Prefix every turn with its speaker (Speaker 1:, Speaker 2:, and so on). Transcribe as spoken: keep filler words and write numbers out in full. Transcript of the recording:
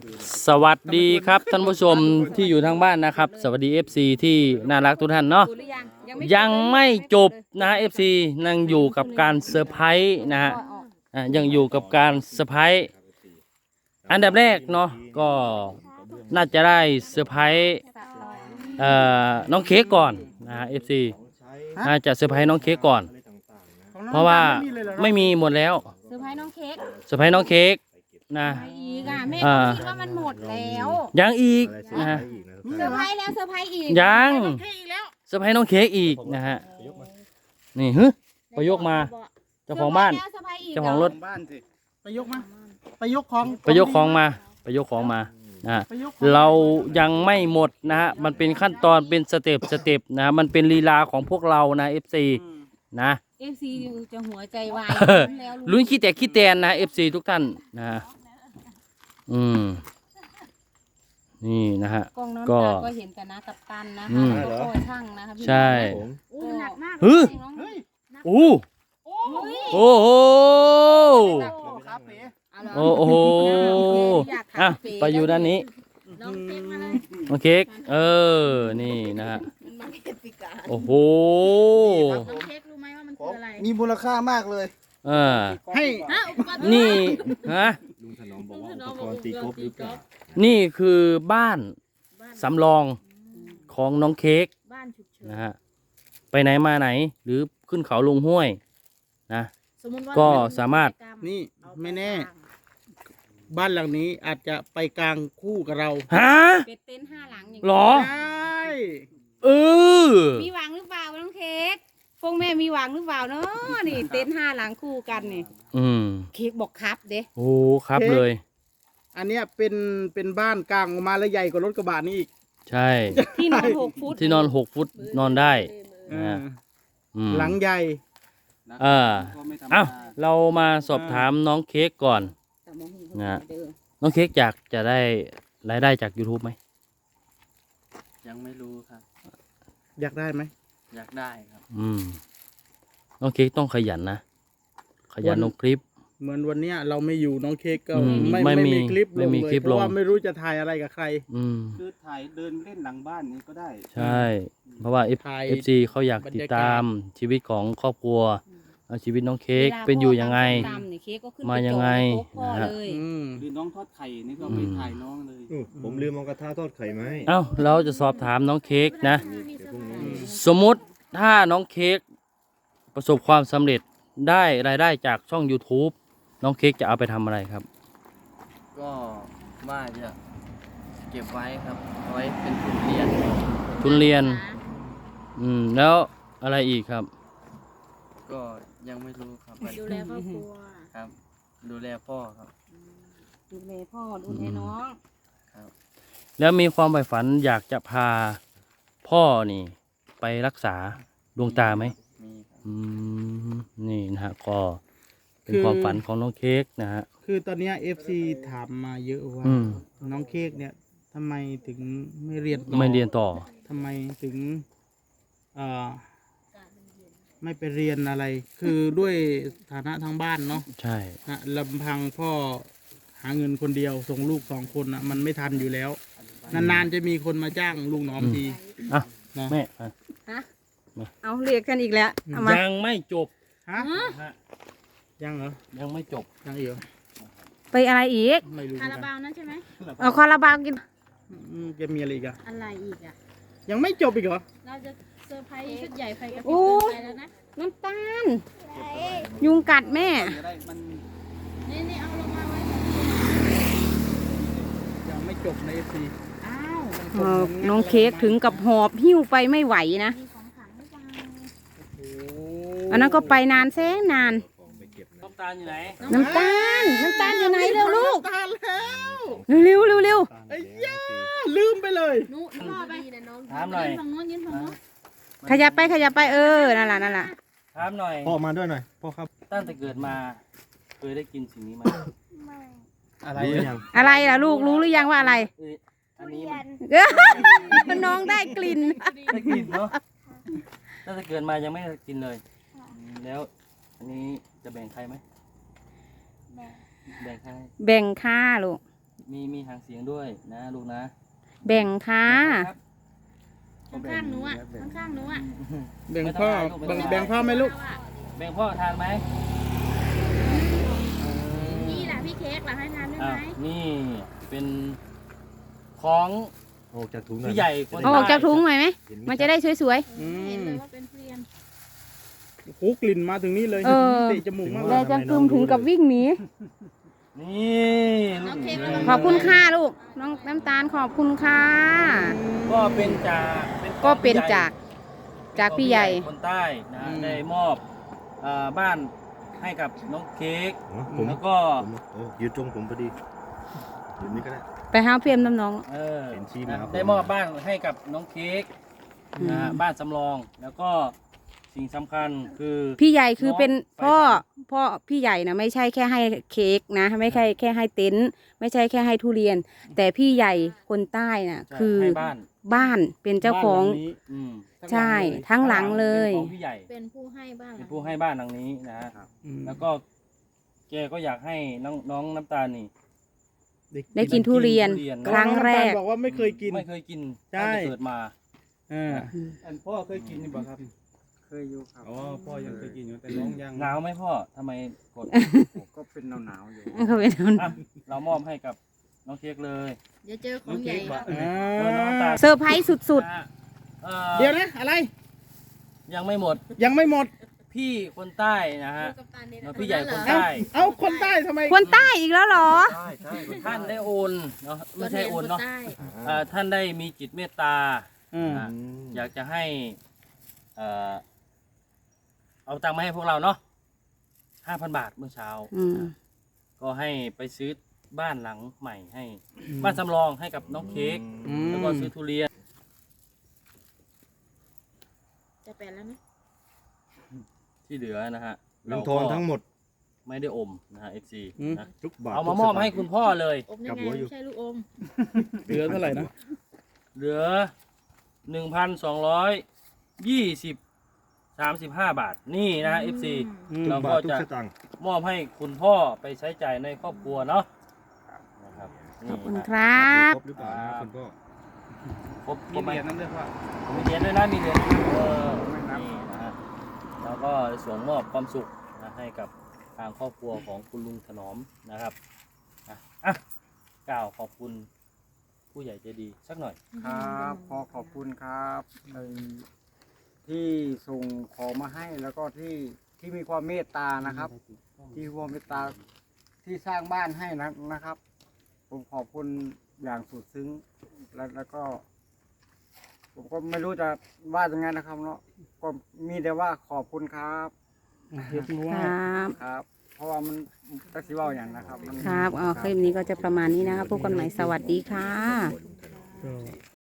Speaker 1: สวัสดีครับท่านผู้ชมที่อยู่ทางบ้านนะครับสวัสดี เอฟ ซี ที่น่ารักทุกท่านเนาะยังไม่จบนะฮะ เอฟ ซี ยังอยู่กับการเซอร์ไพรส์นะฮะอ่ะยังอยู่กับการเซอร์ไพรส์อันดับแรกเนาะก็น่าจะได้เซอร์ไพรส์เอ่อน้องเค้กก่อนนะฮะ เอฟ ซี น่าจะเซอร์ไพรส์น้องเค้กก่อนเพราะว่าไม่มีหมดแล้ว
Speaker 2: เซอร์ไพรส์น้องเค้ก
Speaker 1: เซอร์ไพรส์น้องเค้กนะ
Speaker 2: ไปอีกอ่ะแม่
Speaker 1: อ่า
Speaker 2: ก็คิดว่ามันหมดแล้ว
Speaker 1: ยังอีกนะฮะ
Speaker 2: เซอร์ไพรส์แล้วเซอร์ไพรส์อีก
Speaker 1: ยังเซอร์ไพรส์น้องเค้กอีกนะฮะนี่ฮึไปยกมาเจ้าของบ้าน
Speaker 2: เซอร์ไพรส์อีก
Speaker 1: เจ้าของรถ
Speaker 3: บ้านสิไปยกมาไปยกของ
Speaker 1: ไปยกของมาไปยกของมานะฮะ
Speaker 3: ไปยกของ
Speaker 1: เรายังไม่หมดนะฮะมันเป็นขั้นตอนเป็นสเต็ปสเต็ปนะมันเป็นลีลาของพวกเรานะ เอฟ ซี นะ
Speaker 2: เอฟซีจะหัวใจวาย
Speaker 1: เออ
Speaker 2: แล้ว
Speaker 1: ลุ้นขี้แตกขี้แตนนะ เอฟ ซี ทุกท่านนะอืมนี่นะฮะ
Speaker 2: กล้องน้อง
Speaker 1: ก็
Speaker 2: ตาก็เห็นแต่นะกับตันนะ
Speaker 1: อื
Speaker 2: คะ
Speaker 1: ม
Speaker 2: แล้วก็โอ้ยช่างนะคะพี่
Speaker 1: ใช่
Speaker 2: อู้หนักมาก
Speaker 1: ฮึ
Speaker 2: น้อง
Speaker 3: เฮ้ย
Speaker 1: อู้
Speaker 2: โอ้ย
Speaker 1: โอ้โห
Speaker 3: ครับเป๋
Speaker 2: เอาเหร
Speaker 1: โอ้โห
Speaker 2: อยาก
Speaker 1: อ่ะ
Speaker 2: ถามเป๋
Speaker 1: ไปอยู่ด้านนี้
Speaker 2: น้องเค้กมาเลย
Speaker 1: น้องเค้กเออนี่นะฮะ
Speaker 2: มันมาเป็นปีกา
Speaker 1: โอ้โห
Speaker 2: น้องเค้กรู้ไหมว่ามันคืออะไร
Speaker 3: มีมูลค่ามากเลย
Speaker 1: เออ
Speaker 3: ให้
Speaker 2: ฮะอุปกรณ์
Speaker 1: นี่ฮะ
Speaker 4: ลุงถนอมบอกว่าอุปกรณ์ตีกอล์ฟหรือเปล่า
Speaker 1: นี่คือบ้านสำรองของน้องเค้ก
Speaker 2: บ้านฉุกเฉิน
Speaker 1: นะฮะไปไหนมาไหนหรือขึ้นเขาลงห้วยนะ
Speaker 2: สมมุติว่า
Speaker 1: ก็สามารถ
Speaker 3: นี่ไม่แน่ บ้านหลังนี้อาจจะไปกลางคู่กับเรา
Speaker 1: ฮะ
Speaker 2: เป็นเต็นท์ห้าหลังอย่าง
Speaker 1: หรอ
Speaker 3: ใช่
Speaker 1: เออ
Speaker 2: มีหวังหรือเปล่าน้องเค้กพวกแม่มีหวังหรือเปล่าเนาะนี่เต็นท์ห้าหลังคู่กันนี่
Speaker 1: อืม
Speaker 2: เค้กบอกครับเด้
Speaker 1: โอ้ครับเลย
Speaker 3: อันเนี้ยเป็นเป็นบ้านกลางออกมาแล้วใหญ่กว่ารถกระบะนี่อีก
Speaker 1: ใช่
Speaker 2: ที่นอนหกฟุต
Speaker 1: ที่นอนหกฟุตนอนได้
Speaker 3: เออ
Speaker 1: อืม
Speaker 3: หลังใหญ่
Speaker 1: เออเอ้าเรามาสอบถามน้องเค้กก่อน นะ น้องเค้กอยากจะได้รายได้จาก YouTube ไหม
Speaker 4: ยังไม่รู้ครับ
Speaker 3: อยากได้ไหม
Speaker 4: อยากได้ครับ
Speaker 1: อืมน้องเค้กต้องขยันนะ ขยันลงคลิป
Speaker 3: เหมือนวันเนี้ยเราไม่อยู่น้องเค้กก็
Speaker 1: อืม
Speaker 3: ไม่
Speaker 1: ไม่
Speaker 3: ไม่
Speaker 1: มี
Speaker 3: มีคลิป
Speaker 1: ไม่
Speaker 3: ลง
Speaker 1: มี
Speaker 3: เลย
Speaker 1: คลิป
Speaker 3: เพราะ
Speaker 1: ลง
Speaker 3: ว่าไม่รู้จะถ่ายอะไรกับใคร
Speaker 1: อืม
Speaker 4: คือถ่ายเดินเล่นหลังบ้านนี้ก็ได้
Speaker 1: ใช่ เพราะว่า F
Speaker 3: ถ่าย
Speaker 1: เอฟ ซี เขาอยากติดตามชีวิตของครอบครัวเอาชีวิตน้องเค้กเป็นอยู่ยังไง
Speaker 2: ตามนี่เค้กก็ขึ้น
Speaker 1: มายังไง
Speaker 2: ปโต๊ะพ่อ
Speaker 1: นะฮะ
Speaker 2: เลย
Speaker 3: อืม
Speaker 4: หรือน้องทอดไข่นี่ก็ไปถ่ายน้องเลย
Speaker 5: อู้ผมลืมเอากระทะทอดไข่ไหมาให้
Speaker 1: เอ้าเราจะสอบถามน้องเค้กนะ
Speaker 5: เดี๋ยวพรุ่งนี้
Speaker 1: สมมุติถ้าน้องเค้กประสบความสำเร็จได้รายได้จากช่อง YouTube น้องเค้กจะเอาไปทำอะไรครับ
Speaker 4: ก็ว่าจะเก็บไว้ครับเอาไว้เป็นทุนเรียน
Speaker 1: ทุนเรียน อืมแล้วอะไรอีกครับ
Speaker 4: ก็ยังไม่รู้ครับ
Speaker 2: ดูแลครอบครัว
Speaker 4: ครับ ดูแลพ่อครับ
Speaker 2: ดูแลพ่อดูแลน้อง
Speaker 4: ครับ
Speaker 1: แล้วมีความใฝ่ฝันอยากจะพาพ่อนี่ ไปรักษาดวงตาไหม
Speaker 4: มีครับ
Speaker 1: อืมนี่นะฮะก็เป็นความฝันของน้องเค้กนะฮะ
Speaker 3: คือตอนเนี้ยเอฟซีถามมาเยอะว่า
Speaker 1: อืม
Speaker 3: น้องเค้กเนี่ยทำไมถึงไม่เรียนต่อ
Speaker 1: ไม่เรียนต่อ
Speaker 3: ทำไมถึงเอ่อไม่ไปเรียนอะไร คือด้วยฐานะทางบ้านเนาะ
Speaker 1: ใช่
Speaker 3: นะลำพังพ่อหาเงินคนเดียวส่งลูกสองคนนะมันไม่ทันอยู่แล้ว นานๆจะมีคนมาจ้างลุงหนอมที
Speaker 1: อ่ะ
Speaker 3: นะ
Speaker 1: แม่อ่ะ
Speaker 2: ฮะเอาเรียกกันอีกแล้วเอามา
Speaker 1: ยังไม่จบ
Speaker 3: ฮะ
Speaker 1: ฮะ
Speaker 3: ยังเหรอ
Speaker 1: ยังไม่จบ
Speaker 3: ยังอีกเหรอ
Speaker 2: ไปอะไรอีก
Speaker 3: ไม่รู้เหมื
Speaker 6: คา
Speaker 3: อน
Speaker 6: รา
Speaker 3: กัน
Speaker 6: บาวนั่นใช่ไหม
Speaker 2: เอาคาราบาวกิน
Speaker 3: อืมจะมีอะไรอีกอะ
Speaker 6: อะไรอีกอ่ะ
Speaker 3: ยังไม่จบอีกเหรอ
Speaker 6: เราจะเซอร์ไพรส์ชุดใหญ่ไฟกระพริบ
Speaker 2: โอ้
Speaker 6: เกินไปแล้วนะ
Speaker 2: น้ำตาล ยุงกัดแม่
Speaker 4: จะได้มัน
Speaker 6: นี่นี่เอาลงมาไว้
Speaker 3: ยังไม่จบในเอฟซี
Speaker 6: อ้าว
Speaker 2: เออน้องเค้กถึงกับหอบหิ้วไปไม่ไหวนะ
Speaker 6: มีของขลังหรือเปล่า
Speaker 2: อันนั้นก็ไปนานแสนนาน
Speaker 1: น้ำตาลอยู่ไหน
Speaker 2: น้ำตาล น้ำตาลอยู่ไหนเร็วลูก
Speaker 3: ตาแล้ว
Speaker 2: เร็วเร็วเร็ว
Speaker 3: ไอ้ย่าลืมไปเลย
Speaker 6: นู้นพ่อไป
Speaker 1: ถามหน่อย
Speaker 6: ยืนฝั่งโน้นยืนฝั่งโน้น
Speaker 2: ขยับไปขยับไปเออ นั่นแหละนั่นแหละ
Speaker 1: ถามหน่อย
Speaker 5: พ่อมาด้วยหน่อย พ่อครับ
Speaker 1: ตั้งแต่เกิดมา เคยได้กินสิ่งนี้ไหม
Speaker 3: อะไร
Speaker 5: รู้หรือยัง
Speaker 2: อะไรล่ะลูกรู้หรือยังว่าอะไร
Speaker 1: เอ้ยอันนี้มัน
Speaker 2: น้องได้กลิ่น
Speaker 1: ได้กินเนาะตั้งแต่เกิดมายังไม่ได้กินเลยอืมแล้ว อันนี้จะแบ่งใครไหมแบ่งใคร
Speaker 2: แบ่งค่าลูก
Speaker 1: มมีมีหางเสียงด้วยนะลูกนะ
Speaker 2: แบ่งค่ะ
Speaker 1: ครับ
Speaker 6: ข้างๆหนูอ่ะข้างๆหนูอ่ะ
Speaker 3: แบ่งพ่อแบ่งแบ่งพ่อไหมลูก
Speaker 1: แบ่งพ่อทานไหม
Speaker 6: นี่แหละพี่เค้กเหรอให้ทานได้
Speaker 1: อ่ะ
Speaker 6: ไหม
Speaker 1: นี่เป็นของ
Speaker 5: ออกจากถุงน่อย
Speaker 1: พี่ใหญ่คน
Speaker 2: เอาออกจากถุงหน่อยไหม
Speaker 5: เห็
Speaker 2: มันจะได้สวย
Speaker 3: อื
Speaker 6: เห็น
Speaker 3: ม
Speaker 6: เลยว่าเป็นทุเรียน
Speaker 3: โอ้กลิ่นมาถึงนี่เลย
Speaker 2: เออ
Speaker 3: เตะจมูกมาก
Speaker 2: ๆ
Speaker 3: เล
Speaker 2: แล้
Speaker 3: ยว
Speaker 2: จะกึมถึงกับวิ่งหนี
Speaker 1: นี่
Speaker 6: น้องเค้กระวัง
Speaker 2: ขอบคุณค่ะลูก น้องน้ำตาลขอบคุณค่ะ
Speaker 1: ก็เป็นจากเป็นของ
Speaker 2: ก็เป็น
Speaker 1: พี่ใหญ่
Speaker 2: จากจากพี่ใหญ่
Speaker 1: คนใต้นะฮะได้มอบเอ่อบ้านให้กับน้องเค้ก
Speaker 5: อ๋อผม
Speaker 1: แล้วก็
Speaker 5: ผมโอ้ยืนตรงผมพอดียืนนี่ก็ได้
Speaker 2: ไปหาเพียมน้ำน้อง
Speaker 1: เออ
Speaker 5: เห็นชี้มา
Speaker 1: นะครับ ได้มอบบ้านให้กับน้องเค้ก
Speaker 2: อืม
Speaker 1: นะฮะบ้านสำรองแล้วก็สิ่งสำคัญคือ
Speaker 2: พี่ใหญ่คือเป็น
Speaker 1: น้อง
Speaker 2: พ่อ
Speaker 1: ไฟฝัน
Speaker 2: พ่อพี่ใหญ่นะไม่ใช่แค่ให้เค้กนะไม่ใช่แค่ให้เต็นท์ไม่ใช่แค่ให้ทุเรียน แต่พี่ใหญ่คนใต้น่ะ
Speaker 1: จะ
Speaker 2: คือ
Speaker 1: ให้บ้าน
Speaker 2: บ้านเป็นเจ้าของ
Speaker 3: บ้นหลันี้
Speaker 1: อืม
Speaker 2: ใช่ทั้งหลังเลย
Speaker 1: เป็นของพี่ใหญ่
Speaker 6: เป็นผู้ให้บ้าง
Speaker 1: เป็นผู้ให้บ้านหลังนี้นะฮะ
Speaker 3: อืม
Speaker 1: แล้วก็แกก็อยากให้น้องน้องน้ำตาลนี่
Speaker 2: ได้กินทุเรียน
Speaker 1: ทุเรียน
Speaker 2: ครั้งแรก
Speaker 3: น้อน้ำตาลบอกว่าไม่เคยกิน
Speaker 1: ไม่เคยกิน
Speaker 3: ใช่
Speaker 1: ตั้งแต่เกิดมา
Speaker 3: อ่า
Speaker 7: อันพ่อเคยกินนี่บ่ครับ
Speaker 4: เคยอยู่ครับ
Speaker 7: อ๋อ พ่อยังเคยกินอยู่แต่น้องยัง
Speaker 1: หนาวไหมพ่อทำไมกด
Speaker 4: ก็เป็นหนาวๆอยู่
Speaker 2: เขาเป็นคน
Speaker 1: อ่ะเรามอบให้กับน้องเค้กเลย
Speaker 6: เดี๋ยวเจอของใหญ่
Speaker 3: อ่
Speaker 1: เออน้อง
Speaker 3: า
Speaker 1: น้ำตาล
Speaker 2: เซอร์ไพรส์สุด
Speaker 1: นะฮะเอ่อ
Speaker 3: เดี๋ยวนะ อะไร
Speaker 1: ยังไม่หมด
Speaker 3: ยังไม่หมด
Speaker 1: พี่คนใต้นะฮะ
Speaker 6: กับตาเนี่ย
Speaker 1: แล้วพี่ใหญ่คน
Speaker 3: เอ้า
Speaker 1: ใต้
Speaker 3: เอ้าคนใต้ทำไม
Speaker 2: ๆ คนใต้อีกแล้วเหรอ
Speaker 1: ใช่ใช่ท่านได้โอนเนาะไม่ใช่โอนเนาะเอ่อท่านได้มีจิตเมตตา
Speaker 3: อืม
Speaker 1: อ่ะอยากจะให้เอ่อเอาตังค์มาให้พวกเราเนาะห้าพันบาทเมื่อเช้า
Speaker 2: อืม
Speaker 1: ก็ให้ไปซื้อบ้านหลังใหม่ให้ บ้านสำรองให้กับน้องเค้ก
Speaker 3: อืม
Speaker 1: แล้วก็ซื้อทุเรียน
Speaker 6: จะเป็นแล้วไหม
Speaker 1: ที่เหลือนะฮะ
Speaker 5: เงินทองทั้งหมด
Speaker 1: ไม่ได้อมนะฮะเอฟซี
Speaker 3: อืม
Speaker 1: นะ
Speaker 5: ทุกบาท
Speaker 1: เอามามอบให้คุณพ่อเลย
Speaker 6: อมยังไงไม่ใช่ลูกอม
Speaker 3: เหลือเท่าไหร่นะ
Speaker 1: เหลือหนึ่งพันสองร้อยยี่สิบสามสิบห้าบาทนี่นะฮะเอฟซี
Speaker 3: อืม
Speaker 1: เรา
Speaker 5: บา
Speaker 1: ก็
Speaker 5: ททุก
Speaker 1: จะ
Speaker 5: สตางค์
Speaker 1: มอบให้คุณพ่อไปใช้จ่ายในครอบครัวเนาะนะครับ
Speaker 2: ขอบคุณ
Speaker 1: นี่
Speaker 2: ค
Speaker 1: นะ
Speaker 2: รับ
Speaker 5: ครบหรือเปล่านะคุณพ่อ
Speaker 1: ครบ
Speaker 7: มี
Speaker 1: ครบไหม
Speaker 7: เหรียญนั่นด้วยว่า
Speaker 1: มีเหรียญด้วยนะมีเหรียญเออนี่นะฮะแล้วก็ส่งมอบความสุขนะให้กับทางครอบครัวของคุณลุงถนอมนะครับอ่ะอ่ะกล่าวขอบคุณผู้ใหญ่ใจดีสักหน่อย
Speaker 4: ครับขอขอบคุณครับในที่ส่งของมาให้แล้วก็ที่ที่มีความเมตตานะครับ ที่ความเมตตาที่สร้างบ้านให้นะนะครับ ผมขอบคุณอย่างสุดซึ้งแล้วแล้วก็ ผมก็ไม่รู้จะว่ายังไงนะครับเนาะก็มีแต่ว่าขอบคุณครับ
Speaker 3: ยกมือไห
Speaker 2: ค
Speaker 3: ว้
Speaker 2: รับ
Speaker 4: ครับ เพราะว่ามันตักสิเว่าอย่างนะครับมัน
Speaker 2: ครับเอาคลิปนี้ก็จะประมาณนี้นะครับพบกันใหม่สวัสดีค่ะ
Speaker 3: ก็